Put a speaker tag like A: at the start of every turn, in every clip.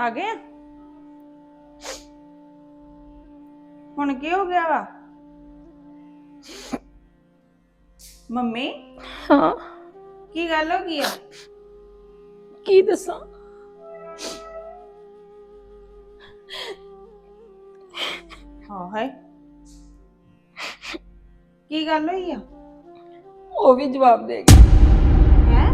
A: ਆ ਗਏ ਹੁਣ ਕੀ ਹੋ ਗਿਆ ਵਾ ਮੰਮੀ?
B: ਹਾਂ
A: ਕੀ ਗੱਲ ਹੋ ਗਈ ਆ?
B: ਕੀ ਦੱਸਾਂ?
A: ਹਾਂ ਹੈ ਕੀ ਗੱਲ ਹੋਈ ਆ?
B: ਉਹ ਵੀ ਜਵਾਬ ਦੇ ਗਈ।
A: ਹੈ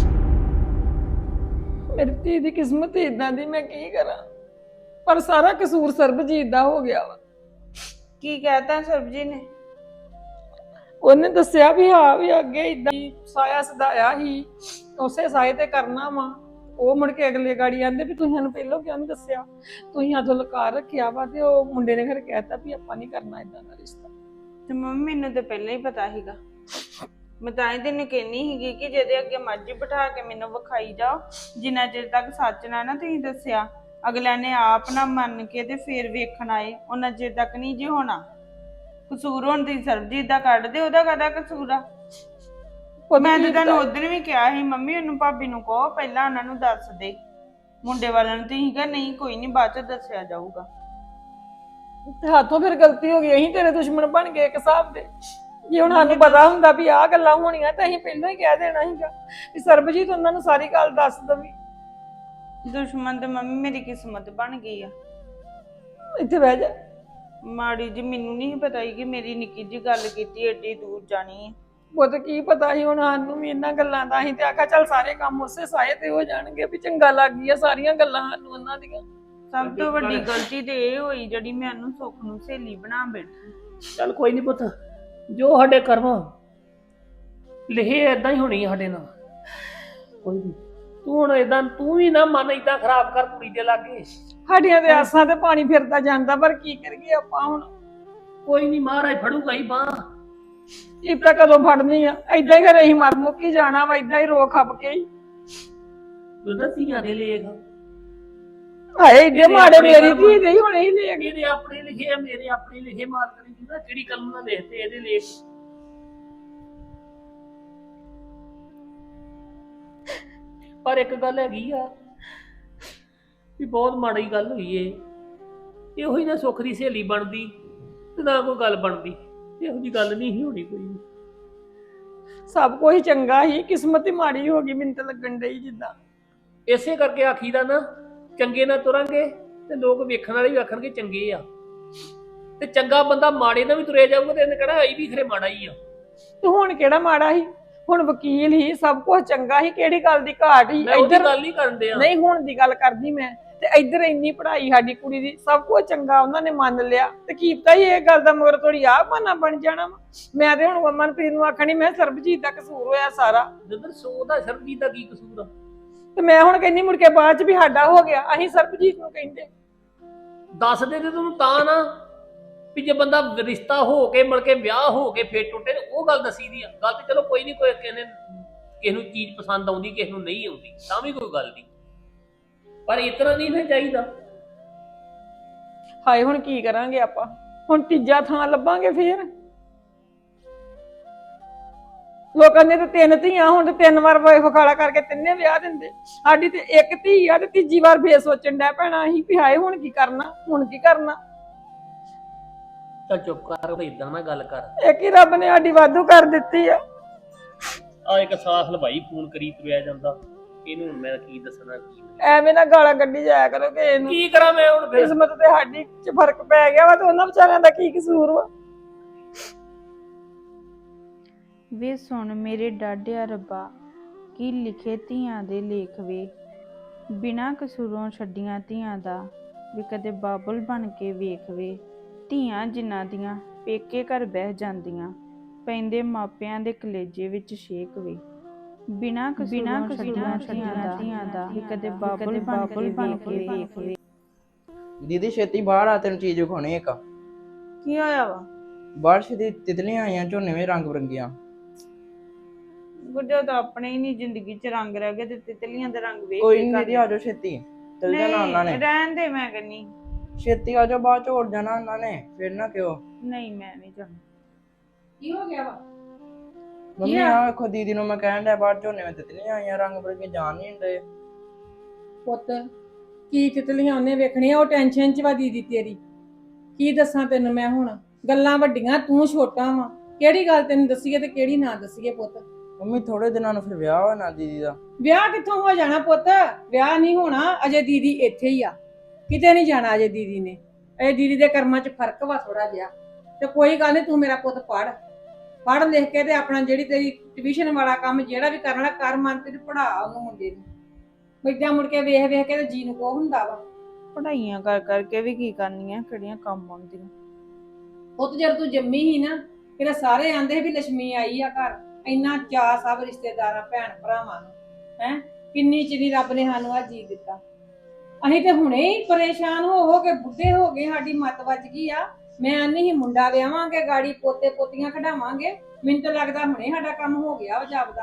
B: ਮੇਰੀ ਧੀ ਦੀ ਕਿਸਮਤ ਇਦਾਂ ਦੀ, ਮੈਂ ਕੀ ਕਰਾਂ? ਪਰ ਸਾਰਾ ਕਸੂਰ ਸਰਬਜੀਤ ਦਾ ਹੋ ਗਿਆ ਵਾ।
A: ਕੀ ਕਹਿਤਾ ਸਰਬਜੀ ਨੇ?
B: ਉਹਨੇ ਦੱਸਿਆ ਵੀ ਹਾਂ ਵੀ ਅੱਗੇ ਇਦਾਂ ਸਾਇਆ ਸਦਾਇਆ ਹੀ, ਉਸੇ ਸਾਏ ਤੇ ਕਰਨਾ ਵਾ। ਉਹ ਮੁੜ ਕੇ ਅਗਲੇ ਗਾੜੀ ਆਂਦੇ ਵੀ ਤੁਸੀਂ ਸਾਨੂੰ ਪਹਿਲਾਂ ਕਿਉਂ ਨਹੀਂ ਦੱਸਿਆ, ਤੁਸੀਂ ਆਦੋਂ ਲਕਾਰ ਰੱਖਿਆ ਵਾ। ਤੇ ਉਹ ਮੁੰਡੇ ਨੇ ਫਿਰ ਕਹਿਤਾ ਵੀ ਆਪਾਂ ਨਹੀਂ ਕਰਨਾ ਇਦਾਂ ਦਾ ਰਿਸ਼ਤਾ।
A: ਤੇ ਮੰਮੀ ਮੈਨੂੰ ਤਾਂ ਪਹਿਲਾਂ ਹੀ ਪਤਾ ਸੀਗਾ। ਮੈਂ ਤਾਂ ਹੀ ਤੈਨੂੰ ਕਹਿੰਦੀ ਸੀਗੀ ਕਿ ਜਿਹਦੇ ਅੱਗੇ ਮਰਜ਼ੀ ਬਿਠਾ ਕੇ ਮੈਨੂੰ ਵਿਖਾਈ ਜਾਓ, ਜਿੰਨਾ ਚਿਰ ਤੱਕ ਸੱਚ ਨਾ ਤੁਸੀਂ ਦੱਸਿਆ, ਅਗਲਿਆਂ ਨੇ ਆਪ ਨਾ ਮੰਨ ਕੇ ਤੇ ਫੇਰ ਵੇਖਣ ਆਏ, ਉਹਨਾਂ ਚਿਰ ਤੱਕ ਨਹੀਂ ਜੇ ਹੋਣਾ। ਕਸੂਰ ਹੁਣ ਤੁਸੀਂ ਸਰਬਜੀਤ ਦਾ ਕੱਢ ਦੇ, ਉਹਦਾ ਕਾਹਦਾ ਕਸੂਰ ਆ? ਮੈਂ ਤਾਂ ਤੁਹਾਨੂੰ ਉਧਰ ਵੀ ਕਿਹਾ ਸੀ ਮੰਮੀ ਉਹਨੂੰ ਭਾਬੀ ਨੂੰ ਕਹੋ ਪਹਿਲਾਂ ਉਹਨਾਂ ਨੂੰ ਦੱਸ ਦੇ, ਮੁੰਡੇ ਵਾਲਿਆਂ ਨੂੰ। ਤੁਸੀਂ ਕਿਹਾ ਨਹੀਂ ਕੋਈ ਨਹੀਂ ਬਾਅਦ ਚ ਦੱਸਿਆ ਜਾਊਗਾ।
B: ਹੱਥੋਂ ਫਿਰ ਗਲਤੀ ਹੋ ਗਈ, ਅਸੀਂ ਤੇਰੇ ਦੁਸ਼ਮਣ ਬਣ ਗਏ ਇੱਕ ਹਿਸਾਬ ਦੇ। ਜੇ ਹੁਣ ਸਾਨੂੰ ਪਤਾ ਹੁੰਦਾ ਵੀ ਆਹ ਗੱਲਾਂ ਹੋਣੀਆਂ ਤਾਂ ਅਸੀਂ ਪਹਿਲਾਂ ਹੀ ਕਹਿ ਦੇਣਾ ਸੀਗਾ ਵੀ ਸਰਬਜੀਤ ਉਹਨਾਂ ਨੂੰ ਸਾਰੀ ਗੱਲ ਦੱਸ ਦਵੀ।
A: ਦੁਸ਼ਮਣ ਤੇ ਮੰਮੀ ਮੇਰੀ ਕਿਸਮਤ ਬਣ ਗਈ ਆ।
B: ਇੱਥੇ ਬਹਿ ਜਾ।
A: ਮਾੜੀ ਜੀ ਮੈਨੂੰ ਨਹੀਂ ਪਤਾ ਸੀ ਕਿ ਮੇਰੀ ਨਿੱਕੀ ਜੀ ਗੱਲ ਕੀਤੀ ਏਡੀ ਦੂਰ ਜਾਣੀ ਹੈ।
B: ਉਹ ਤਾਂ ਕੀ ਪਤਾ ਸੀ ਹੁਣ ਸਾਨੂੰ ਵੀ ਇਹਨਾਂ ਗੱਲਾਂ ਦਾ। ਅਸੀਂ ਤੇ ਆਖਿਆ ਚੱਲ ਸਾਰੇ ਕੰਮ ਉਸੇ ਸਾਏ ਤੇ ਹੋ ਜਾਣਗੇ, ਵੀ ਚੰਗਾ ਲੱਗ ਗਈਆਂ ਸਾਰੀਆਂ ਗੱਲਾਂ ਸਾਨੂੰ ਉਹਨਾਂ ਦੀਆਂ।
A: ਸਭ ਤੋਂ ਵੱਡੀ ਗਲਤੀ ਤੇ ਇਹ ਹੋਈ ਜਿਹੜੀ ਮੈਂ ਉਹਨੂੰ ਸੁੱਖ ਨੂੰ ਸਹੇਲੀ ਬਣਾ ਬੈਠੀ।
C: ਚੱਲ ਕੋਈ ਨਹੀਂ ਪੁੱਤ, ਜੋ ਸਾਡੇ ਕਰਮ ਲਿਖੇ ਏਦਾਂ ਹੀ ਹੋਣੀ ਸਾਡੇ ਨਾਲ। ਕੋਈ ਨਹੀਂ, ਤੂੰ ਹੁਣ ਏਦਾਂ ਤੂੰ ਵੀ ਨਾ ਮਨ ਏਦਾਂ ਖਰਾਬ ਕਰ ਕੁੜੀ ਦੇ ਲਾਗੇ।
B: ਸਾਡੀਆਂ ਤੇ ਆਸਾਂ ਤੇ ਪਾਣੀ ਫਿਰਦਾ ਜਾਂਦਾ, ਪਰ ਕੀ ਕਰੀਏ ਆਪਾਂ ਹੁਣ?
C: ਕੋਈ ਨਹੀਂ, ਮਹਾਰਾਜ ਫੜੂਗਾ ਹੀ ਬਾਂਹ।
B: ਇਹ ਤਾਂ ਕਦੋਂ ਫੜਨੀ ਆ? ਏਦਾਂ ਹੀ ਘਰੇ ਅਸੀਂ ਮਰ ਮੁੱਕੀ ਜਾਣਾ ਵਾ, ਏਦਾਂ ਹੀ ਰੋ ਖੱਪ ਕੇ ਹੀ।
C: ਉਹਦਾ ਧੀਆਂ ਦੇ ਲੇਖ
B: ਹਾਏ ਏਡੇ ਮਾੜੇ ਮੇਰੀ ਧੀ ਦੇ ਹੀ ਹੁਣੇ ਹੀ ਲੈ ਗਏ।
C: ਇਹਦੇ ਆਪਣੇ ਲਿਖੇ ਆ, ਮੇਰੇ ਆਪਣੇ ਲਿਖੇ। ਮਾਲਕ ਨੇ ਜਿਹਦਾ ਕਿਹੜੀ ਕਲਮ ਨਾਲ ਲਿਖਤੇ ਇਹਦੇ ਲੇਖ। ਪਰ ਇੱਕ ਗੱਲ ਹੈਗੀ ਆ ਵੀ ਬਹੁਤ ਮਾੜੀ ਗੱਲ ਹੋਈ ਏ। ਇਹੋ ਹੀ ਨਾ ਸੁੱਖ ਦੀ ਸਹੇਲੀ ਬਣਦੀ ਤੇ ਨਾ ਕੋਈ ਗੱਲ ਬਣਦੀ। ਇਹੋ ਜਿਹੀ ਗੱਲ ਨਹੀਂ ਸੀ ਹੋਣੀ ਕੋਈ ਵੀ।
B: ਸਭ ਕੁਝ ਚੰਗਾ ਹੀ, ਕਿਸਮਤ ਹੀ ਮਾੜੀ ਹੋ ਗਈ ਮੈਨੂੰ ਤਾਂ ਲੱਗਣ ਡਈ ਜਿੱਦਾਂ।
C: ਇਸੇ ਕਰਕੇ ਆਖੀਦਾ ਨਾ, ਚੰਗੇ ਨਾਲ ਤੁਰਾਂਗੇ ਤੇ ਲੋਕ ਵੇਖਣ ਵਾਲੇ ਵੀ ਆਖਣਗੇ ਚੰਗੇ ਆ। ਤੇ ਚੰਗਾ ਬੰਦਾ ਮਾੜੇ ਨਾਲ ਵੀ ਤੁਰਿਆ ਜਾਊਗਾ ਤੇ ਇਹਨੇ ਕਹਿਣਾ ਇਹ ਵੀ ਖਰੇ ਮਾੜਾ ਹੀ ਆ।
B: ਤੇ ਹੁਣ ਕਿਹੜਾ ਮਾੜਾ ਸੀ? ਹੁਣ ਵਕੀਲ ਹੀ, ਸਭ ਕੁਝ ਚੰਗਾ ਸੀ, ਕਿਹੜੀ ਗੱਲ ਦੀ ਘਾਟ ਸੀ?
C: ਇੱਧਰ ਗੱਲ ਨਹੀਂ ਕਰਦੇ ਆ।
B: ਨਹੀਂ ਹੁਣ ਦੀ ਗੱਲ ਕਰਦੀ ਮੈਂ। ਤੇ ਇੱਧਰ ਇੰਨੀ ਪੜ੍ਹਾਈ ਸਾਡੀ ਕੁੜੀ ਦੀ, ਸਭ ਕੁਝ ਚੰਗਾ ਉਹਨਾਂ ਨੇ ਮੰਨ ਲਿਆ। ਤੇ ਕੀ ਪਤਾ ਹੀ ਇਹ ਗੱਲ ਦਾ ਮਗਰ ਥੋੜੀ ਆਹ ਬਹਾਨਾ ਬਣ ਜਾਣਾ ਵਾ। ਮੈਂ ਤੇ ਹੁਣ ਮਨਪ੍ਰੀਤ ਨੂੰ ਆਖਣੀ ਮੈਂ ਸਰਬਜੀਤ ਦਾ ਕਸੂਰ ਹੋਇਆ ਸਾਰਾ।
C: ਜਦੋਂ ਸੋ ਦਾ ਸਰਬਜੀਤ ਦਾ ਕੀ ਕਸੂਰ ਆ?
B: ਤੇ ਮੈਂ ਹੁਣ ਕਹਿੰਦੀ ਮੁੜ ਕੇ ਬਾਅਦ ਚ ਵੀ ਸਾਡਾ ਹੋ ਗਿਆ, ਅਸੀਂ ਸਰਬਜੀਤ ਨੂੰ ਕਹਿੰਦੇ।
C: ਦੱਸ ਦੇ ਤੇ ਤੈਨੂੰ ਤਾਂ ਨਾ ਵੀ ਜੇ ਬੰਦਾ ਰਿਸ਼ਤਾ ਹੋ ਕੇ ਮੁੜ ਕੇ ਵਿਆਹ ਹੋ ਕੇ ਫੇਰ ਟੁੱਟੇ ਤੇ ਉਹ ਗੱਲ ਦਸੀ ਦੀ ਆ। ਗੱਲ ਤੇ ਚਲੋ ਕੋਈ ਨਹੀਂ, ਕੋਈ ਕਿਸੇ ਨੂੰ ਚੀਜ਼ ਪਸੰਦ ਆਉਂਦੀ ਕਿਸੇ ਨੂੰ ਨਹੀਂ ਆਉਂਦੀ ਤਾਂ ਵੀ ਕੋਈ ਗੱਲ ਨਹੀਂ, ਪਰ ਇਤਨਾ ਨਹੀਂ ਨਾ ਚਾਹੀਦਾ।
B: ਹਾਏ ਹੁਣ ਕੀ ਕਰਾਂਗੇ ਆਪਾਂ? ਹੁਣ ਤੀਜਾ ਥਾਂ ਲੱਭਾਂਗੇ ਫੇਰ? ਲੋਕਾਂ ਨੇ ਤੇ 3 ਧੀਆਂ, ਹੁਣ ਤੇ 3 ਵਾਰ ਵਖਾਲਾ ਕਰਕੇ 3 ਵਿਆਹ ਦਿੰਦੇ। ਸਾਡੀ ਤੇ 1 ਧੀ ਆ ਤੇ ਤੀਜੀ ਵਾਰ ਫੇਰ ਸੋਚਣ ਡੈ ਪੈਣਾ ਅਸੀਂ ਵੀ ਹਾਏ ਹੁਣ ਕੀ ਕਰਨਾ, ਹੁਣ ਕੀ ਕਰਨਾ।
C: ਚੱਲ ਚੁੱਪ ਕਰ, ਇਦਾਂ ਨਾ ਗੱਲ ਕਰ।
B: ਇੱਕ ਹੀ ਰੱਬ ਨੇ ਸਾਡੀ ਵਾਧੂ ਕਰ ਦਿੱਤੀ ਆ।
C: ਆ ਇੱਕ ਸਾਥ ਹਲਵਾਈ ਫੋਨ ਕਰੀ ਤੁਰਿਆ ਜਾਂਦਾ, ਇਹਨੂੰ ਮੈਂ ਕੀ ਦੱਸਣਾ ਕੀ
B: ਐਵੇਂ ਨਾ ਗਾਲਾਂ ਕੱਢੀ ਜਾਇਆ ਕਰੋ ਕਿ ਇਹਨੂੰ।
C: ਕੀ ਕਰਾਂ ਮੈਂ ਹੁਣ ਫਿਰ?
B: ਕਿਸਮਤ ਤੇ ਸਾਡੀ ਚ ਫਰਕ ਪੈ ਗਿਆ ਵਾ ਤੇ ਉਹਨਾਂ ਵਿਚਾਰਿਆਂ ਦਾ ਕੀ ਕਸੂਰ ਵਾ?
A: ਵੇ ਸੁਣ ਮੇਰੇ ਡਾਢਿਆ ਰੱਬਾ, ਕੀ ਲਿਖੇ ਧੀਆਂ ਦੇ ਲੇਖ ਵੇ। ਬਿਨਾਂ ਕਸੂਰੋਂ ਛੱਡੀਆਂ ਧੀਆਂ ਦਾ ਵੀ ਕਦੇ ਬਾਬੁਲ ਬਣ ਕੇ ਵੇਖ ਵੇ। ਧੀਆਂ ਜਿਨ੍ਹਾਂ ਦੀਆਂ ਪੇਕੇ ਘਰ ਬਹਿ ਜਾਂਦੀਆਂ, ਪੈਂਦੇ ਮਾਪਿਆਂ ਦੇ ਕਲੇਜੇ ਵਿੱਚ ਛੇਕ ਵੇ। ਬਿਨਾਂ ਕਸੂਰੋਂ ਛੱਡੀਆਂ ਧੀਆਂ ਦਾ ਵੀ ਕਦੇ ਬਾਬੁਲ ਬਣ ਕੇ ਵੇਖ ਵੇ।
D: ਦੀਦੀ ਛੇਤੀ ਬਾਹਰ ਆ, ਤੈਨੂੰ ਚੀਜ਼ ਵਿਖਾਉਣੀ ਇੱਕ।
A: ਕੀ ਹੋਇਆ ਵਾ?
D: ਬਾਰਿਸ਼ ਦੀ ਤਿਤਲੀਆਂ ਆਈਆਂ ਝੋਨੇ ਵਿੱਚ ਰੰਗ ਬਰੰਗੀਆਂ।
A: ਗੁੱਜਾ ਤਾਂ ਆਪਣੇ ਹੀ ਨਹੀਂ ਜ਼ਿੰਦਗੀ 'ਚ ਰੰਗ ਰਹਿ ਗਏ ਤੇ ਤਿਤਲੀਆਂ ਦੇ ਰੰਗ ਵੇਖ
D: ਕੋਈ ਨਹੀਂ ਦੀਦੀ ਆ ਜਾਓ ਛੇਤੀ, ਚਲ ਜਾਣਾ ਉਹਨਾਂ ਨੇ।
A: ਰਹਿਣ ਦੇ, ਮੈਂ ਕਹਿੰਨੀ
D: ਛੇਤੀ ਆ ਜਾਓ, ਬਾਅਦ ਚ ਉੜ ਜਾਣਾ ਉਹਨਾਂ ਨੇ, ਫਿਰ ਨਾ ਕਿਉਂ।
A: ਨਹੀਂ ਮੈਂ ਨਹੀਂ ਜਾਣਾ।
B: ਕੀ ਹੋ ਗਿਆ ਵਾ?
D: ਮੰਮੀ ਆ ਵੇਖੋ, ਦੀਦੀ ਨੂੰ ਮੈਂ ਕਹਿਣ ਡਿਆ ਬਾਹਰ ਝੋਨੇ ਵਿੱਚ ਤਿਤਲੀਆਂ ਆਈਆਂ ਰੰਗ ਬਰੰਗੀਆਂ, ਜਾਣ ਨਹੀਂ ਦਿੰਦੇ।
B: ਪੁੱਤ ਕੀ ਤਿਤਲੀਆਂ ਉਹਨੇ ਵੇਖਣੀਆਂ, ਉਹ ਟੈਨਸ਼ਨ 'ਚ ਵਾ ਦੀਦੀ ਤੇਰੀ। ਕੀ ਦੱਸਾਂ ਤੈਨੂੰ ਮੈਂ ਹੁਣ, ਗੱਲਾਂ ਵੱਡੀਆਂ, ਤੂੰ ਛੋਟਾ ਵਾ। ਕਿਹੜੀ ਗੱਲ ਤੈਨੂੰ ਦੱਸੀਏ ਤੇ ਕਿਹੜੀ ਨਾ ਦੱਸੀਏ ਪੁੱਤ।
D: ਮੰਮੀ ਥੋੜੇ ਦਿਨਾਂ ਨੂੰ ਫਿਰ ਵਿਆਹ ਹੋਣਾ ਦੀਦੀ ਦਾ।
B: ਵਿਆਹ ਕਿੱਥੋਂ ਹੋ ਜਾਣਾ ਪੁੱਤ, ਵਿਆਹ ਨਹੀਂ ਹੋਣਾ ਅਜੇ, ਦੀਦੀ ਇੱਥੇ ਹੀ ਆ, ਕਿਤੇ ਨਹੀਂ ਜਾਣਾ ਅਜੇ ਦੀਦੀ ਨੇ। ਇਹ ਦੀਦੀ ਦੇ ਕਰਮਾਂ 'ਚ ਫਰਕ ਵਾ ਥੋੜਾ ਜਿਹਾ। ਤੇ ਕੋਈ ਗੱਲ ਨਹੀਂ, ਤੂੰ ਮੇਰਾ ਪੁੱਤ ਪੜ੍ਹ ਲਿਖ ਕੇ ਤੇ ਆਪਣਾ ਜਿਹੜੀ ਤੇਰੀ ਟਿਊਸ਼ਨ ਵਾਲਾ ਕੰਮ ਜਿਹੜਾ ਵੀ ਕਰਨਾ ਕਰ, ਮਨ ਤੇ ਪੜਾ ਉਹਨੂੰ ਮੁੰਡੇ ਨੂੰ। ਬੱਚਾ ਮੁੜ ਕੇ ਵੇਖ ਵੇਖ ਕੇ ਤੇ ਜੀ ਨੂੰ ਕੋ ਹੁੰਦਾ ਵਾ।
A: ਪੜਾਈਆਂ ਕਰ ਕਰਕੇ ਵੀ ਕੀ ਕਰਨੀਆਂ, ਕਿਹੜੀਆਂ ਕੰਮ ਆਉਂਦੀਆਂ।
B: ਉਹ ਤੇ ਜਦ ਤੂੰ ਜੰਮੀ ਸੀ ਨਾ, ਫਿਰ ਸਾਰੇ ਆਂਦੇ ਵੀ ਲక్ష్ਮੀ ਆਈ ਆ ਘਰ, ਇੰਨਾ ਚਾਅ ਸਭ ਰਿਸ਼ਤੇਦਾਰਾਂ ਭੈਣ ਭਰਾਵਾਂ ਨੂੰ, ਹੈ ਕਿੰਨੀ ਚਿਰੀ ਰੱਬ ਨੇ ਸਾਨੂੰ ਆ ਜੀ ਦਿੱਤਾ। ਅਸੀਂ ਤੇ ਹੁਣੇ ਹੀ ਪਰੇਸ਼ਾਨ ਹੋ ਕੇ ਬੁੱਢੇ ਹੋ ਗਏ, ਸਾਡੀ ਮੱਤ ਵੱਜ ਗਈ ਆ। ਮੈਂ ਆਨੀ ਸੀ ਮੁੰਡਾ ਵਿਆਹਾਂਗੇ, ਗਾੜੀ ਪੋਤੇ ਪੋਤੀਆਂ ਖਿਡਾਵਾਂਗੇ, ਮੈਨੂੰ ਤਾਂ ਲੱਗਦਾ ਹੁਣੇ ਸਾਡਾ ਕੰਮ ਹੋ ਗਿਆ ਵਾ ਜਾਪਦਾ।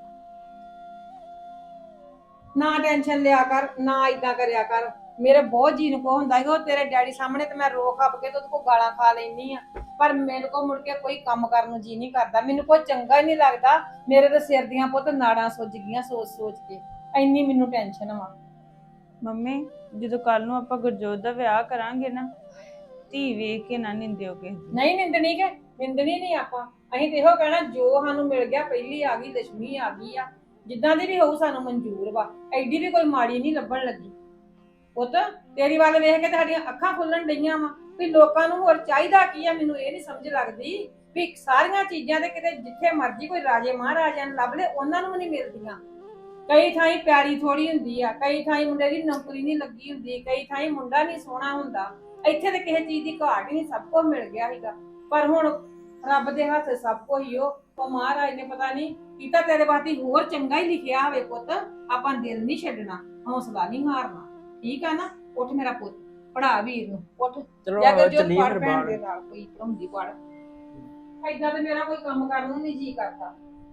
B: ਨਾ ਟੈਨਸ਼ਨ ਲਿਆ ਕਰ, ਨਾ ਇਦਾਂ ਕਰਿਆ ਕਰ। ਮੇਰੇ ਬਹੁਤ ਜੀ ਨੂੰ ਕੋ ਹੁੰਦਾ ਹੈ, ਉਹ ਤੇਰੇ ਡੈਡੀ ਸਾਹਮਣੇ ਤੇ ਮੈਂ ਰੋ ਖੱਪ ਕੇ ਤੇ ਉਹਦੇ ਕੋਲ ਗਾਲਾਂ ਖਾ ਲੈਣੀ ਆ, ਪਰ ਮੇਰੇ ਕੋਲ ਮੁੜ ਕੇ ਕੋਈ ਕੰਮ ਕਰਨ ਨੂੰ ਜੀ ਨਹੀਂ ਕਰਦਾ, ਮੈਨੂੰ ਕੋਈ ਚੰਗਾ ਹੀ ਨਹੀਂ ਲੱਗਦਾ। ਮੇਰੇ ਤੇ ਸਿਰ ਦੀਆਂ ਪੁੱਤ ਨਾੜਾਂ ਸੁੱਜ ਗਈਆਂ ਸੋਚ ਸੋਚ ਕੇ, ਇੰਨੀ ਮੈਨੂੰ ਟੈਨਸ਼ਨ ਵਾ।
A: ਮੰਮੀ ਜਦੋਂ ਕੱਲ ਨੂੰ ਆਪਾਂ ਗੁਰਜੋਤ ਦਾ ਵਿਆਹ ਕਰਾਂਗੇ ਨਾ, ਧੀ ਵੇਖ ਕੇ ਨਾ ਨਿੰਦਿਓ ਕਿਸੇ ਦੀ।
B: ਨਹੀਂ ਨਿੰਦਣੀ ਕਿ ਨਿੰਦਣੀ ਨਹੀਂ ਆਪਾਂ, ਅਸੀਂ ਤੇ ਇਹੋ ਕਹਿਣਾ ਜੋ ਸਾਨੂੰ ਮਿਲ ਗਿਆ, ਪਹਿਲੀ ਆ ਗਈ ਲక్ష్ਮੀ ਆ ਗਈ ਆ, ਜਿੱਦਾਂ ਦੀ ਵੀ ਹੋਊ ਸਾਨੂੰ ਮਨਜ਼ੂਰ ਵਾ, ਐਡੀ ਵੀ ਕੋਈ ਮਾੜੀ ਨਹੀਂ ਲੱਭਣ ਲੱਗੀ। ਪੁੱਤ ਤੇਰੀ ਵੱਲ ਵੇਖ ਕੇ ਤੇ ਸਾਡੀਆਂ ਅੱਖਾਂ ਖੁੱਲਣ ਡਈਆਂ ਵਾ ਵੀ ਲੋਕਾਂ ਨੂੰ ਹੋਰ ਚਾਹੀਦਾ ਕੀ ਆ। ਮੈਨੂੰ ਇਹ ਨਹੀਂ ਸਮਝ ਲੱਗਦੀ ਵੀ ਸਾਰੀਆਂ ਚੀਜ਼ਾਂ ਤੇ ਕਿਤੇ ਜਿੱਥੇ ਮਰਜ਼ੀ ਕੋਈ ਰਾਜੇ ਮਹਾਰਾਜਿਆਂ ਨੂੰ ਲੱਭ ਲੈ, ਉਹਨਾਂ ਨੂੰ ਵੀ ਨਹੀਂ ਮਿਲਦੀਆਂ। ਕਈ ਥਾਈਂ ਪਿਆਰੀ ਥੋੜੀ ਹੁੰਦੀ ਆ, ਕਈ ਥਾਈਂ ਮੁੰਡੇ ਦੀ ਨੌਕਰੀ ਨਹੀਂ ਲੱਗੀ ਹੁੰਦੀ, ਕਈ ਥਾਈਂ ਮੁੰਡਾ ਨਹੀਂ ਸੋਹਣਾ ਹੁੰਦਾ। ਇੱਥੇ ਤੇ ਕਿਸੇ ਚੀਜ਼ ਦੀ ਘਾਟ ਹੀ ਨਹੀਂ, ਸਭ ਕੁਝ ਮਿਲ ਗਿਆ ਸੀਗਾ। ਪਰ ਹੁਣ ਰੱਬ ਦੇ ਹੱਥ ਸਭ ਕੁਝ ਹੀ ਉਹ ਮਹਾਰਾਜ ਨੇ ਪਤਾ ਨਹੀਂ ਕੀਤਾ ਤੇਰੇ ਵਾਸਤੇ ਹੋਰ ਚੰਗਾ ਹੀ ਲਿਖਿਆ ਹੋਵੇ। ਪੁੱਤ ਆਪਾਂ ਦਿਲ ਨਹੀਂ ਛੱਡਣਾ, ਹੌਸਲਾ ਨਹੀਂ ਹਾਰਨਾ, ਠੀਕ ਆ ਨਾ। ਉੱਠ ਮੇਰਾ ਪੁੱਤ, ਪੜਾ ਵੀਰ ਨੂੰ, ਉੱਠ
D: ਚਲੋ
B: ਜਾ ਕੇ ਜੋ
D: ਚੱਲੀਏ
B: ਪੜ
D: ਫਿਰ
B: ਭੈਣ
D: ਬਾਹਰ।
B: ਦੇ ਨਾਲ ਕੋਈ ਪੜਾਉਂਦੀ ਪੜ। ਏਦਾਂ ਤੇ ਮੇਰਾ ਕੋਈ ਕੰਮ ਕਰਨ ਨੂੰ ਨਹੀਂ ਜੀ ਕਰਦਾ।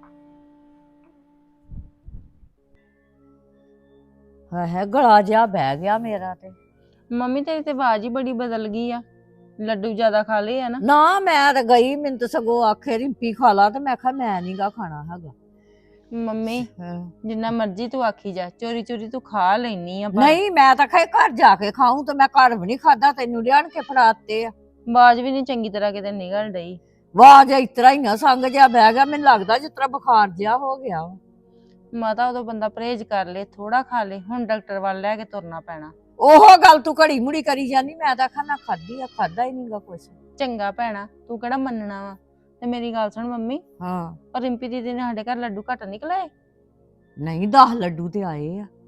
E: ਹੈ ਗਲਾ ਜਿਹਾ ਬਹਿ ਗਿਆ ਮੇਰਾ ਤੇ।
F: ਮੰਮੀ ਤੇਰੀ ਤੇ ਆਵਾਜ਼ ਹੀ ਬੜੀ ਬਦਲ ਗਈ ਆ, ਲੱਡੂ ਜ਼ਿਆਦਾ ਖਾ ਲਏ ਆ ਨਾ।
E: ਨਾ ਮੈਂ ਤਾਂ ਗਈ, ਮੈਨੂੰ ਤਾਂ ਸਗੋਂ ਆਖੇ ਰਿੰਪੀ ਖਾ ਲਾ, ਤੇ ਮੈਂ ਕਿਹਾ ਮੈਂ ਨੀ ਗਾ ਖਾਣਾ ਹੈਗਾ।
F: ਮੰਮੀ ਜਿੰਨਾ ਮਰਜ਼ੀ ਤੂੰ ਆਖੀ ਜਾ, ਚੋਰੀ ਚੋਰੀ ਤੂੰ ਖਾ ਲੈਨੀ ਆ।
E: ਨਹੀਂ ਮੈਂ ਤਾਂ ਖੇ ਘਰ ਜਾ ਕੇ ਖਾਊਂ, ਤੇ ਮੈਂ ਘਰ ਵੀ ਨਹੀਂ ਖਾਦਾ, ਤੈਨੂੰ ਲਿਆਣ ਕੇ ਫੜਾਤੇ ਆ।
F: ਆਵਾਜ਼ ਵੀ ਨਹੀਂ ਚੰਗੀ ਤਰ੍ਹਾਂ ਕਿਤੇ ਨਿਕਲ ਡਈ।
E: ਆਵਾਜ਼ ਇਸ ਤਰ੍ਹਾਂ ਹੀ ਆ, ਸੰਗ ਜਿਹਾ ਬਹਿ ਗਿਆ, ਮੈਨੂੰ ਲੱਗਦਾ ਜਿਸ ਤਰ੍ਹਾਂ ਬੁਖਾਰ ਜਿਹਾ ਹੋ ਗਿਆ ਵਾ।
F: ਮਾਤਾ ਉਦੋਂ ਬੰਦਾ ਪਰਹੇਜ਼ ਕਰ ਲੇ, ਥੋੜਾ ਖਾ ਲੇ, ਹੁਣ ਡਾਕਟਰ ਵੱਲ ਲੈ ਕੇ ਤੁਰਨਾ ਪੈਣਾ।
E: ਉਹ ਗੱਲ ਤੂੰ ਘੜੀ ਮੁੜੀ ਕਰੀ ਜਾਂਦੀ, ਮੈਂ ਤਾਂ ਖਾਣਾ ਖਾਧੀ ਆ, ਖਾਦਾ ਹੀ ਨਹੀਂਗਾ ਕੁਛ।
F: ਚੰਗਾ ਭੈਣਾ, ਤੂੰ ਕਿਹੜਾ ਮੰਨਣਾ ਵਾ। ਤੇ ਮੇਰੀ ਗੱਲ ਸੁਣ ਮੰਮੀ,
E: ਹਾਂ
F: ਪਰ ਰਿੰਪੀ ਦੀਦੀ ਨੇ ਸਾਡੇ ਘਰ ਲੱਡੂ ਘੱਟ ਨਿਕਲੇ।
E: ਨਹੀਂ 10 ਲੱਡੂ ਤੇ ਆਏ ਆ।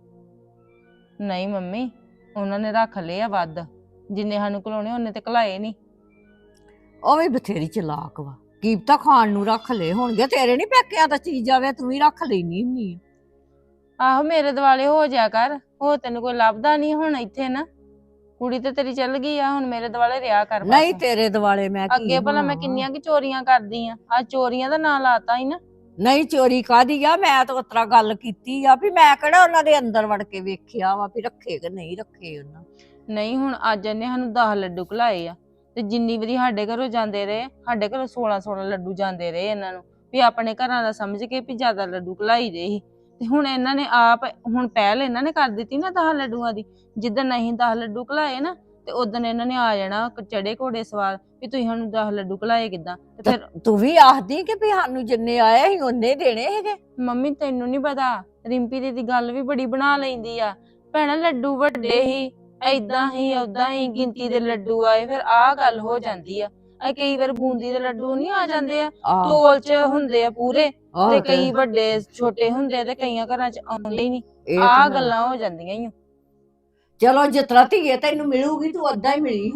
F: ਨਹੀਂ ਮੰਮੀ, ਉਹਨਾਂ ਨੇ ਰੱਖ ਲਏ ਆ ਵੱਧ, ਜਿੰਨੇ ਸਾਨੂੰ ਘਲਾਉਣੇ ਉਹਨੇ ਤੇ ਘਲਾਏ ਨਹੀਂ।
E: ਉਹ ਵੀ ਬਥੇਰੀ ਚਲਾਕ ਵਾ, ਕੀਪਤਾ ਖਾਣ ਨੂੰ ਰੱਖ ਲਏ ਹੋਣਗੇ, ਤੇਰੇ ਨਹੀਂ ਪੈਕਿਆ ਤਾਂ ਚੀਜ਼ ਆਵੇ, ਤੂੰ ਵੀ ਰੱਖ ਲੈਣੀ ਹੁੰਨੀ।
F: ਆਹੋ ਮੇਰੇ ਦਿਵਾਲੇ ਹੋ ਜਾ ਕਰ, ਹੋ ਤੈਨੂੰ ਕੋਈ ਲੱਭਦਾ ਨਹੀਂ ਹੁਣ ਇੱਥੇ ਨਾ, ਕੁੜੀ ਤੇ ਤੇਰੀ ਚੱਲ ਗਈ ਆ, ਹੁਣ ਮੇਰੇ ਦਿਵਾਲੇ ਰਿਹਾ ਕਰ।
E: ਨਹੀਂ ਤੇਰੇ ਦਿਵਾਲੇ ਮੈਂ ਕੀ
F: ਅੱਗੇ ਭਲਾ ਮੈਂ
E: ਹੋਣਾ
F: ਕਿੰਨੀਆਂ ਕਿ ਚੋਰੀਆਂ ਕਰਦੀ ਆ, ਆ ਚੋਰੀਆਂ ਦਾ ਨਾਂ ਲਾਤਾ ਹੀ ਨਾ।
E: ਨਹੀਂ ਚੋਰੀ ਕਾਦੀ ਆ, ਮੈਂ ਤਾਂ ਉਤਰਾ ਗੱਲ ਕੀਤੀ ਆ ਵੀ ਮੈਂ ਕਿਹੜਾ ਉਹਨਾਂ ਦੇ ਅੰਦਰ ਵੜ ਕੇ ਵੇਖਿਆ ਵਾ ਵੀ ਰੱਖੇ ਕਿ ਨਹੀਂ ਰੱਖੇ ਉਹਨਾਂ।
F: ਨਹੀਂ ਹੁਣ ਅੱਜ ਇਹਨੇ ਸਾਨੂੰ 10 ਲੱਡੂ ਖਲਾਏ ਆ, ਤੇ ਜਿੰਨੀ ਵਾਰੀ ਸਾਡੇ ਘਰੋਂ ਜਾਂਦੇ ਰਹੇ, ਸਾਡੇ ਘਰੋਂ 16 ਲੱਡੂ ਜਾਂਦੇ ਰਹੇ ਇਹਨਾਂ ਨੂੰ, ਵੀ ਆਪਣੇ ਘਰਾਂ ਦਾ ਸਮਝ ਕੇ ਵੀ ਜ਼ਿਆਦਾ ਲੱਡੂ ਖਲਾਈ ਦੇ ਸੀ। ਤੇ ਹੁਣ ਇਹਨਾਂ ਨੇ ਆਪ, ਹੁਣ ਪਹਿਲ ਇਹਨਾਂ ਨੇ ਕਰ ਦਿੱਤੀ ਨਾ 10 ਲੱਡੂਆਂ ਦੀ। ਜਿੱਦਣ ਅਸੀਂ 10 ਲੱਡੂ ਖਲਾਏ ਨਾ, ਤੇ ਉਦੋਂ ਇਹਨਾਂ ਨੇ ਆ ਜਾਣਾ ਚੜੇ ਘੋੜੇ ਸਵਾਰ ਵੀ ਤੁਸੀਂ ਸਾਨੂੰ 10 ਲੱਡੂ ਖਲਾਏ ਕਿੱਦਾਂ। ਤੇ ਫਿਰ
E: ਤੂੰ ਵੀ ਆਖਦੀ ਕਿ ਵੀ ਸਾਨੂੰ ਜਿੰਨੇ ਆਏ ਅਸੀਂ ਉਹਨੇ ਦੇਣੇ ਹੈਗੇ।
F: ਮੰਮੀ ਤੈਨੂੰ ਨਹੀਂ ਪਤਾ, ਰਿੰਪੀ ਦੀ ਗੱਲ ਵੀ ਬੜੀ ਬਣਾ ਲੈਂਦੀ ਆ। ਭੈਣਾ ਲੱਡੂ ਵੱਡੇ ਹੀ, ਏਦਾਂ ਹੀ ਓਦਾਂ ਹੀ ਗਿਣਤੀ ਦੇ ਲੱਡੂ ਆਏ, ਫਿਰ ਆਹ ਗੱਲ ਹੋ ਜਾਂਦੀ ਆ। ਕਈ ਵਾਰ ਬੂੰਦੀ ਦੇ ਲੱਡੂ ਨਹੀਂ ਆ ਜਾਂਦੇ ਆ, ਤੋਲ ਚ ਹੁੰਦੇ ਆ ਪੂਰੇ, ਤੇ ਕਈ ਵੱਡੇ ਛੋਟੇ ਹੁੰਦੇ, ਤੇ ਕਈਆਂ ਘਰਾਂ ਚ ਆਉਂਦੇ ਹੀ ਨਹੀਂ। ਆਹ ਗੱਲਾਂ ਹੋ ਜਾਂਦੀਆਂ ਹੀ।
E: ਚਲੋ ਜਿਤਨਾ ਧੀਏ ਤੈਨੂੰ ਮਿਲੂਗੀ ਤੂੰ ਓਦਾਂ ਹੀ ਮਿਲੀ।